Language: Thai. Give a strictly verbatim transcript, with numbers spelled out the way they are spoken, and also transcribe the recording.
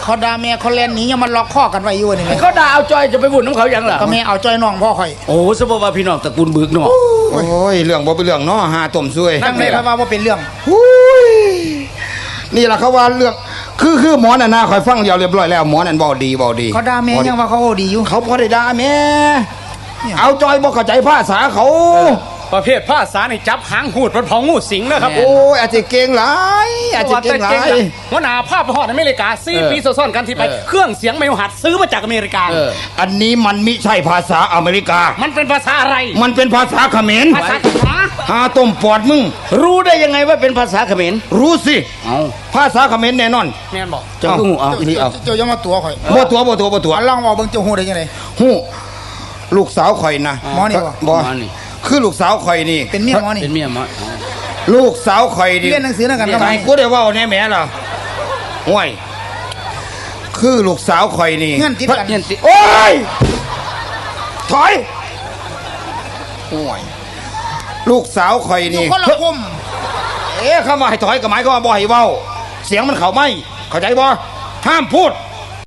เขาด่าแม่เขาเล่นหนียังมันล็อกข้อกันไว้อยู่นี่เขาด่าเอาจอยจะไปบุญน้ำเขาอย่างล่ะก็แม่เอาจอยน้องพ่อข่อยโอ้สมมติว่าพี่น้องตระกูลบึกเนาะโอ้ยเรื่องบ่เป็นเรื่องเนาะหาต้มซวยนั่งเลยครับว่าเป็นเรื่องนี่แหละเขาว่าเรื่องคือคือหมอน่ะนะคอยฟังเดียวเรียบร้อยแล้วหมอนั่นเบาดีเบาดีเขาด่าแม่ยังว่าเขาดีอยู่เขาพอได้ด่าแม่เอาจอยบ่เข้าใจภาษาเขาประเภทภาษาในจับหางหูดมันพองงูสิงนะครับโอ้ยอาจจะเก่งหลายอาจจะเก่งหลายหัวหน้าภาพไปฮอดอเมริกาสี่ปีซ้อนกันที่ไปเครื่องเสียงไม่หัดซื้อมาจากอเมริกาอันนี้มันมิใช่ภาษาอเมริกามันเป็นภาษาอะไรมันเป็นภาษาเขมรภาษาหาต้มปอดมึงรู้ได้ยังไงว่าเป็นภาษาเขมรรู้สิภาษาเขมรแน่นอนแม่นบอกเจ้าหูเอาอีเอาเจ้ายังมาตัวข่อยบ่ตัวบ่ตัวบ่ตัวลองบอกเบิ่งเจ้าหูได้ยังไงหูลูกสาวข่อยนะหมอนี่บ่คือลูกสาวข่อยนี่เป็นเมียหมอนี่เป็นเมียหมอลูกสาวข่อยนี่เรียนหนังสือนั่นกันก็ไม่กูได้ว่าแน่แม่ล่ะห่วยคือลูกสาวข่อยนี่เงื่อนติดกันโอ้ยถอยห่วยลูกสาวข่อยนี่คนละคุมเอ๊ะเข้ามาให้ถอยกับไม้ก็บ่ให้เว้าเสียงมันเข้าไม่เข้าใจบ่ห้ามพูด